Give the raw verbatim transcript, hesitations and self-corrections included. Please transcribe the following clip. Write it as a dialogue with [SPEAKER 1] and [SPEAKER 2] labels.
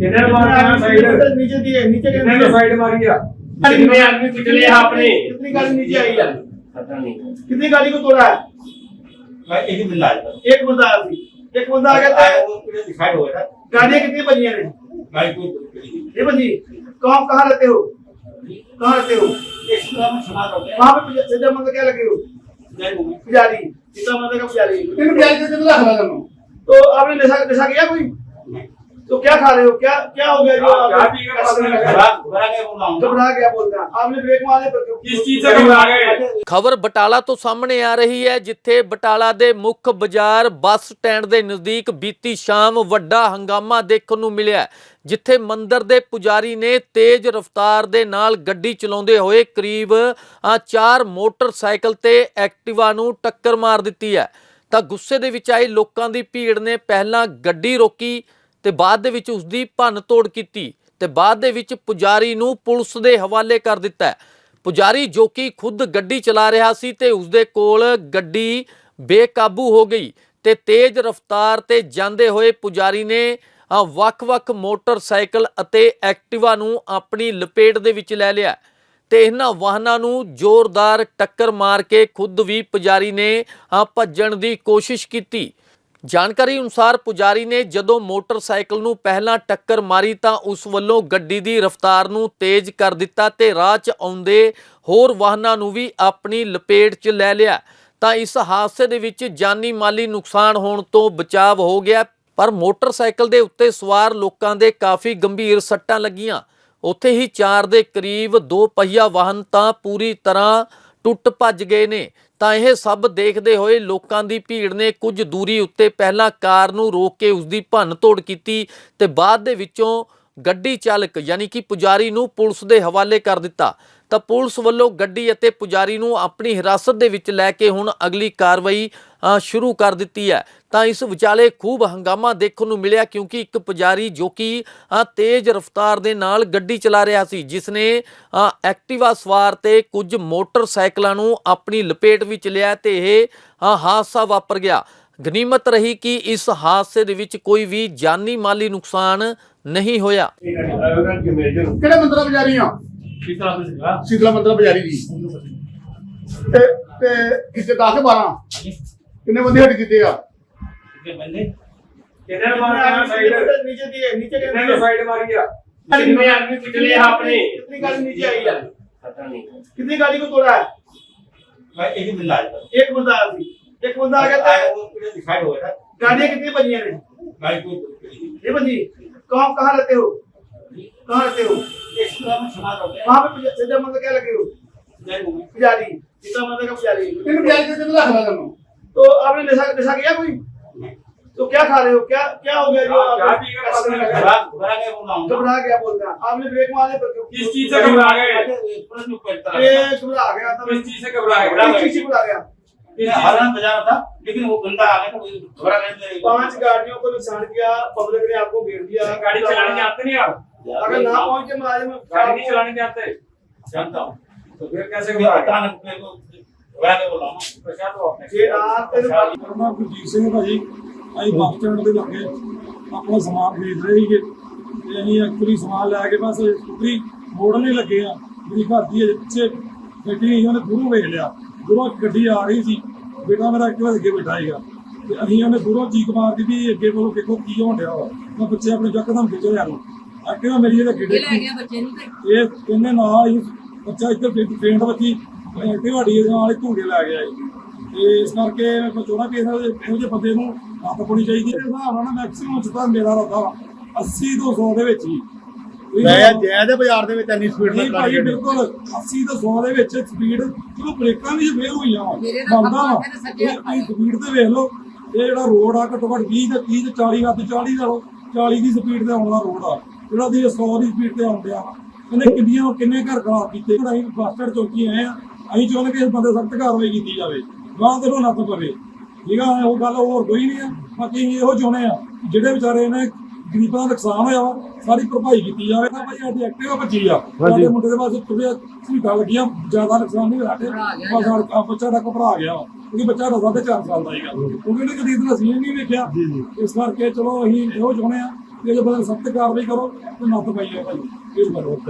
[SPEAKER 1] इधर मारना साइड
[SPEAKER 2] नीचे दिए नीचे के
[SPEAKER 1] इधर साइड मारिया कितने आदमी पिछले आपने
[SPEAKER 2] कितनी गाड़ी नीचे आई है?
[SPEAKER 1] पता नहीं
[SPEAKER 2] कितनी गाड़ी को तोड़ा है?
[SPEAKER 3] मैं एक ही बंदा आया
[SPEAKER 2] एक बंदा आया थी, एक बंदा आ गया था।
[SPEAKER 3] वो पूरे डिसाइड हो गया था
[SPEAKER 2] गाड़ियाँ कितनी बजी हैं?
[SPEAKER 3] गाड़ी को
[SPEAKER 2] ये बजी। कहाँ कहाँ रहते हो? कहाँ रहते हो?
[SPEAKER 3] एक सुबह में समाज हो गया
[SPEAKER 2] वहाँ पे सज्जा मंदिर क्या लगे हो?
[SPEAKER 3] जय गुरु
[SPEAKER 2] पुजारी, सीता माता का पुजारी।
[SPEAKER 4] तेन प्याज के कितना खा रहा
[SPEAKER 2] तो आपने नशा नशा किया कोई? तो क्या खा रहे हो? क्या क्या हो गया जो आप
[SPEAKER 1] क्या पी के पता नहीं
[SPEAKER 3] घबरा घबरा के बोल रहा हूँ
[SPEAKER 2] घबरा गया बोलते हैं आपने ब्रेक मारे पर
[SPEAKER 1] किस चीज से घबरा गए
[SPEAKER 5] ਖਬਰ ਬਟਾਲਾ ਤੋਂ ਸਾਹਮਣੇ ਆ ਰਹੀ ਹੈ, ਜਿੱਥੇ ਬਟਾਲਾ ਦੇ ਮੁੱਖ ਬਾਜ਼ਾਰ ਬੱਸ ਸਟੈਂਡ ਦੇ ਨਜ਼ਦੀਕ ਬੀਤੀ ਸ਼ਾਮ ਵੱਡਾ ਹੰਗਾਮਾ ਦੇਖਣ ਨੂੰ ਮਿਲਿਆ, ਜਿੱਥੇ ਮੰਦਿਰ ਦੇ ਪੁਜਾਰੀ ਨੇ ਤੇਜ਼ ਰਫ਼ਤਾਰ ਦੇ ਨਾਲ ਗੱਡੀ ਚਲਾਉਂਦੇ ਹੋਏ ਕਰੀਬ ਚਾਰ ਮੋਟਰਸਾਈਕਲ ਤੇ ਐਕਟਿਵਾ ਨੂੰ ਟੱਕਰ ਮਾਰ ਦਿੱਤੀ ਹੈ। ਤਾਂ ਗੁੱਸੇ ਦੇ ਵਿੱਚ ਆਏ ਲੋਕਾਂ ਦੀ ਭੀੜ ਨੇ ਪਹਿਲਾਂ ਗੱਡੀ ਰੋਕੀ ਤੇ ਬਾਅਦ ਦੇ ਵਿੱਚ ਉਸ ਦੀ ਭੰਨ ਤੋੜ ਕੀਤੀ ਤੇ ਬਾਅਦ ਦੇ ਵਿੱਚ ਪੁਜਾਰੀ ਨੂੰ ਪੁਲਿਸ ਦੇ ਹਵਾਲੇ ਕਰ ਦਿੱਤਾ ਹੈ। ਪੁਜਾਰੀ ਜੋ ਕਿ ਖੁਦ ਗੱਡੀ ਚਲਾ ਰਿਹਾ ਸੀ ਤੇ ਉਸਦੇ ਕੋਲ ਗੱਡੀ ਬੇਕਾਬੂ ਹੋ ਗਈ ਤੇ ਤੇਜ਼ ਰਫ਼ਤਾਰ ਤੇ ਜਾਂਦੇ ਹੋਏ ਪੁਜਾਰੀ ਨੇ ਵੱਖ-ਵੱਖ ਮੋਟਰਸਾਈਕਲ ਅਤੇ ਐਕਟਿਵਾ ਨੂੰ ਆਪਣੀ ਲਪੇਟ ਦੇ ਵਿੱਚ ਲੈ ਲਿਆ ਤੇ ਇਹਨਾਂ ਵਾਹਨਾਂ ਨੂੰ ਜ਼ੋਰਦਾਰ ਟੱਕਰ ਮਾਰ ਕੇ ਖੁਦ ਵੀ ਪੁਜਾਰੀ ਨੇ ਭੱਜਣ ਦੀ ਕੋਸ਼ਿਸ਼ ਕੀਤੀ। ਜਾਣਕਾਰੀ ਅਨੁਸਾਰ ਪੁਜਾਰੀ ਨੇ ਜਦੋਂ ਮੋਟਰਸਾਈਕਲ ਨੂੰ ਪਹਿਲਾਂ ਟੱਕਰ ਮਾਰੀ ਤਾਂ ਉਸ ਵੱਲੋਂ ਗੱਡੀ ਦੀ ਰਫ਼ਤਾਰ ਨੂੰ ਤੇਜ਼ ਕਰ ਦਿੱਤਾ ਤੇ ਰਾਹ 'ਚ ਆਉਂਦੇ ਹੋਰ ਵਾਹਨਾਂ ਨੂੰ ਵੀ ਆਪਣੀ ਲਪੇਟ 'ਚ ਲੈ ਲਿਆ। ਤਾਂ ਇਸ ਹਾਦਸੇ ਦੇ ਵਿੱਚ ਜਾਨੀ ਮਾਲੀ ਨੁਕਸਾਨ ਹੋਣ ਤੋਂ ਬਚਾਵ ਹੋ ਗਿਆ, ਪਰ ਮੋਟਰਸਾਈਕਲ ਦੇ ਉੱਤੇ ਸਵਾਰ ਲੋਕਾਂ ਦੇ ਕਾਫੀ ਗੰਭੀਰ ਸੱਟਾਂ ਲੱਗੀਆਂ। ਉੱਥੇ ਹੀ ਚਾਰ ਦੇ ਕਰੀਬ ਦੋ ਪਹੀਆ ਵਾਹਨ ਤਾਂ ਪੂਰੀ ਤਰ੍ਹਾਂ ਟੁੱਟ ਭੱਜ ਗਏ ਨੇ। ਤਾਂ ਇਹ ਸਭ ਦੇਖਦੇ ਹੋਏ ਲੋਕਾਂ ਦੀ ਭੀੜ ਨੇ ਕੁਝ ਦੂਰੀ ਉੱਤੇ ਪਹਿਲਾਂ ਕਾਰ ਨੂੰ ਰੋਕ ਕੇ ਉਸ ਦੀ ਭੰਨ ਤੋੜ ਕੀਤੀ ਤੇ ਬਾਅਦ ਦੇ ਵਿੱਚੋਂ ਗੱਡੀ ਚਾਲਕ ਯਾਨੀ ਕਿ ਪੁਜਾਰੀ ਨੂੰ ਪੁਲਿਸ ਦੇ ਹਵਾਲੇ ਕਰ ਦਿੱਤਾ। ਤਾਂ ਪੁਲਿਸ ਵੱਲੋਂ ਗੱਡੀ ਅਤੇ ਪੁਜਾਰੀ ਨੂੰ ਆਪਣੀ ਹਿਰਾਸਤ ਦੇ ਵਿੱਚ ਲੈ ਕੇ ਹੁਣ ਅਗਲੀ ਕਾਰਵਾਈ ਸ਼ੁਰੂ ਕਰ ਦਿੱਤੀ ਹੈ। ਤਾਂ ਇਸ ਵਿਚਾਲੇ ਖੂਬ ਹੰਗਾਮਾ ਦੇਖਣ ਨੂੰ ਮਿਲਿਆ, ਕਿਉਂਕਿ ਇੱਕ ਪੁਜਾਰੀ ਜੋ ਕਿ ਤੇਜ਼ ਰਫ਼ਤਾਰ ਦੇ ਨਾਲ ਗੱਡੀ ਚਲਾ ਰਿਹਾ ਸੀ, ਜਿਸ ਨੇ ਐਕਟਿਵਾ ਸਵਾਰ ਤੇ ਕੁਝ ਮੋਟਰਸਾਈਕਲਾਂ ਨੂੰ ਆਪਣੀ ਲਪੇਟ ਵਿੱਚ ਲਿਆ ਤੇ ਇਹ ਹਾਦਸਾ ਵਾਪਰ ਗਿਆ। ਗਨੀਮਤ ਰਹੀ ਕਿ ਇਸ ਹਾਦਸੇ ਦੇ ਵਿੱਚ ਕੋਈ ਵੀ ਜਾਨੀ ਮਾਲੀ ਨੁਕਸਾਨ ਨਹੀਂ ਹੋਇਆ।
[SPEAKER 4] ਕਿਹੜੇ ਮੰਦਰਾ ਪੁਜਾਰੀ ਆ?
[SPEAKER 1] कितना सीधा
[SPEAKER 4] ਸ਼ੀਤਲਾ ਮੰਦਰਾ ਪੁਜਾਰੀ ਜੀ। ਤੇ ਤੇ ਕਿਤੇ ਦਸ ਬਾਰਾਂ ਕਿੰਨੇ ਬੰਦੇ ਹੱਟ ਕੀਤੇ ਆ?
[SPEAKER 3] कितने बंदे
[SPEAKER 1] इधर मारना साइड
[SPEAKER 2] नीचे दिए नीचे के
[SPEAKER 1] इधर साइड मारिया कितने आदमी पिछले आपने
[SPEAKER 2] कितनी गाड़ी नीचे आई है?
[SPEAKER 3] पता नहीं
[SPEAKER 2] कितनी गाड़ी को तोड़ा है?
[SPEAKER 3] मैं एक ही बंदा आया
[SPEAKER 2] एक बंदा आया थी, एक बंदा आ गया था।
[SPEAKER 3] वो पूरे डिसाइड हो गया था
[SPEAKER 2] गाड़ियाँ कितनी बजी हैं?
[SPEAKER 3] गाड़ी को
[SPEAKER 2] ये बजी। कहाँ कहाँ रहते हो? कहाँ रहते हो?
[SPEAKER 3] एक सुबह में समाज हो गया
[SPEAKER 2] वहाँ पे सज्जा मंदिर क्या लगे हो?
[SPEAKER 3] जय गुरु
[SPEAKER 2] पुजारी, सीता माता का पुजारी।
[SPEAKER 4] तेन प्याज के कितना खा रहा
[SPEAKER 2] तो आपने नशा नशा किया कोई? तो क्या खा रहे हो? क्या क्या हो गया जो आप
[SPEAKER 1] क्या पी के पता नहीं
[SPEAKER 3] घबरा घबरा के बोल रहा हूँ
[SPEAKER 2] घबरा गया बोलते हैं आपने ब्रेक मारे पर
[SPEAKER 1] किस चीज से घबरा गए
[SPEAKER 3] पुलिस में कोई तरह
[SPEAKER 2] ये घबरा गया था।
[SPEAKER 1] किस चीज से घबरा
[SPEAKER 2] किस
[SPEAKER 1] गए
[SPEAKER 2] चीज़ से घबरा गया?
[SPEAKER 1] किस चीज
[SPEAKER 3] हरण बजा रहा था लेकिन वो बंदा आ गया तो घबरा गया
[SPEAKER 2] पांच गाड़ियों को नुकसान किया, पब्लिक ने आपको घेर दिया।
[SPEAKER 1] से गाड़ी चलाने आते नहीं आप
[SPEAKER 2] अगर ना पहुंचे मुलाजिम
[SPEAKER 1] गाड़ी नहीं चलाने आते
[SPEAKER 3] जानता हूँ
[SPEAKER 1] तो फिर कैसे
[SPEAKER 3] मैं
[SPEAKER 1] घबरा गए
[SPEAKER 3] अचानक मेरे को घबरा के बोल रहा हूँ
[SPEAKER 1] पछा तो आपने
[SPEAKER 2] ये रात तेरे बाल-
[SPEAKER 6] ਮੇਰਾ ਨਾਮ ਗੁਰਜੀਤ ਸਿੰਘ ਭਾਜੀ। ਅਸੀਂ ਬੱਸ ਸਟੈਂਡ ਦੇ ਲਾਗੇ ਆਪਣਾ ਸਮਾਨ ਖਰੀਦ ਰਹੇ ਸੀਗੇ ਤੇ ਅਸੀਂ ਐਕਚੁਅਲੀ ਸਮਾਨ ਲੈ ਕੇ ਬਸ ਸਕੂਟਰੀ ਮੋੜਨ ਹੀ ਲੱਗੇ ਆ। ਮੇਰੀ ਘਰ ਦੀ ਅਜੇ ਪਿੱਛੇ ਬੈਠੀ ਸੀ, ਉਹਨੇ ਦੂਰੋਂ ਵੇਖ ਲਿਆ, ਦੂਰੋਂ ਗੱਡੀ ਆ ਰਹੀ ਸੀ, ਬੇਟਾ ਮੇਰਾ ਐਕਟਿਵਾ ਅੱਗੇ ਬੈਠਾ ਸੀਗਾ ਤੇ ਅਸੀਂ ਉਹਨੇ ਦੂਰੋਂ ਚੀਕ ਮਾਰਦੀ ਵੀ ਅੱਗੇ ਕੋਲੋਂ ਦੇਖੋ ਕੀ ਹੋਣ ਡਿਆ ਵਾ। ਮੈਂ ਬੱਚੇ ਆਪਣੇ ਯਕਦਮ ਖਿੱਚ ਲਿਆ ਨੂੰ ਐਕਟਿਵਾ ਮੇਰੀ ਇਹਦੇ ਅੱਗੇ ਡਿੱਗੀ। ਇਹ ਇਹਨੇ ਨਾਲ ਹੀ ਬੱਚਾ ਇੱਧਰ ਪੇਂਟ ਵੱਜੀ ਐਕਟਿਵਾ ਡੀ ਨਾਲ ਹੀ ਧੂੜੇ ਲੈ ਗਿਆ ਜੀ। ਤੇ ਇਸ ਕਰਕੇ ਮੈਂ ਚਾਹੁੰਦਾ ਵੀ ਇਹੋ ਜਿਹੇ ਬੰਦੇ ਨੂੰ ਹੱਥ ਪਾਉਣੀ ਚਾਹੀਦੀ ਹੈ। ਹਿਸਾਬ ਨਾਲ ਨਾ ਮੈਕਸੀਮਮ ਚ ਤਾਂ ਮੇਰਾ ਰੱਖਾ ਅੱਸੀ ਤੋਂ ਸੌ ਦੇ ਵਿੱਚ ਹੀ
[SPEAKER 4] ਮੈਂ ਜੈ ਦੇ ਬਾਜ਼ਾਰ ਦੇ ਵਿੱਚ ਇੰਨੀ ਸਪੀਡ ਨਾਲ
[SPEAKER 6] ਭਾਈ ਬਿਲਕੁਲ ਅੱਸੀ ਤੋਂ ਸੌ ਦੇ ਵਿੱਚ ਸਪੀਡ ਚਲੋ ਬ੍ਰੇਕਾਂ ਵੀ ਫੇਲ ਹੋਈਆਂ ਵਾ ਬੰਦਾ ਵਾ ਇਹ ਸਪੀਡ ਤੇ ਵੇਖ ਲਓ। ਇਹ ਜਿਹੜਾ ਰੋਡ ਆ ਘੱਟੋ ਘੱਟ ਵੀਹ ਤੇ ਤੀਹ ਤੇ ਚਾਲੀ ਹੱਦ ਚਾਲੀ ਨਾਲੋਂ ਚਾਲੀ ਦੀ ਸਪੀਡ ਤੇ ਆਉਣ ਦਾ ਰੋਡ ਆ, ਜਿਹੜਾ ਦੀ ਸੌ ਦੀ ਸਪੀਡ ਤੇ ਆਉਣ ਡਿਆ ਵਾ। ਇਹਨੇ ਕਿੰਨੀਆਂ ਕਿੰਨੇ ਘਰ ਖਰਾਬ ਕੀਤੇ। ਅਸੀਂ ਬੱਸ ਸਟੈਂਡ ਚੌਕੀ ਆਏ ਆ, ਅਸੀਂ ਚਾਹੁੰਦੇ ਕਿ ਇਸ ਬੰਦੇ ਸਖਤ ਕਾਰਵਾਈ ਕੀਤੀ ਜਾਵੇ, ਗਾਂ ਤੇ ਨੱਥ ਪਵੇ। ਠੀਕ ਆ, ਉਹ ਗੱਲ ਹੋਰ ਕੋਈ ਨਹੀਂ ਆ। ਬਾਕੀ ਅਸੀਂ ਇਹੋ ਚਾਹੁੰਦੇ ਆ ਜਿਹੜੇ ਵਿਚਾਰੇ ਨੇ ਗਰੀਬਾਂ ਦਾ ਨੁਕਸਾਨ ਹੋਇਆ ਵਾ ਸਾਰੀ ਭਰਪਾਈ ਕੀਤੀ ਜਾਵੇ। ਨਾ ਭਾਈ ਸਾਡੀ ਐਕਟਿਵਾ ਭੱਜੀ ਆ, ਸਾਡੇ ਮੁੰਡੇ ਦੇ ਪਾਸੇ ਥੋੜ੍ਹੀਆਂ ਸੀਟਾਂ ਲੱਗੀਆਂ, ਜ਼ਿਆਦਾ ਨੁਕਸਾਨ ਨਹੀਂ ਹੋਇਆ। ਬਸ ਸਾਡਾ ਬੱਚਾ ਦਾ ਘਬਰਾ ਗਿਆ ਵਾ, ਕਿਉਂਕਿ ਬੱਚਾ ਦਾ ਸਾਢੇ ਚਾਰ ਸਾਲ ਦਾ ਸੀਗਾ, ਕਿਉਂਕਿ ਉਹਨੇ ਕਦੀ ਇਤਨਾ ਸੀਨ ਨਹੀਂ ਵੇਖਿਆ। ਇਸ ਕਰਕੇ ਚਲੋ ਅਸੀਂ ਇਹੋ ਚਾਹੁੰਦੇ ਆ ਇਹਦੇ ਬਾਰੇ ਸਖਤ ਕਾਰਵਾਈ ਕਰੋ ਤੇ ਨੱਥ ਪਾਈਓ ਭਾਈ ਇਸ ਬਾਰੇ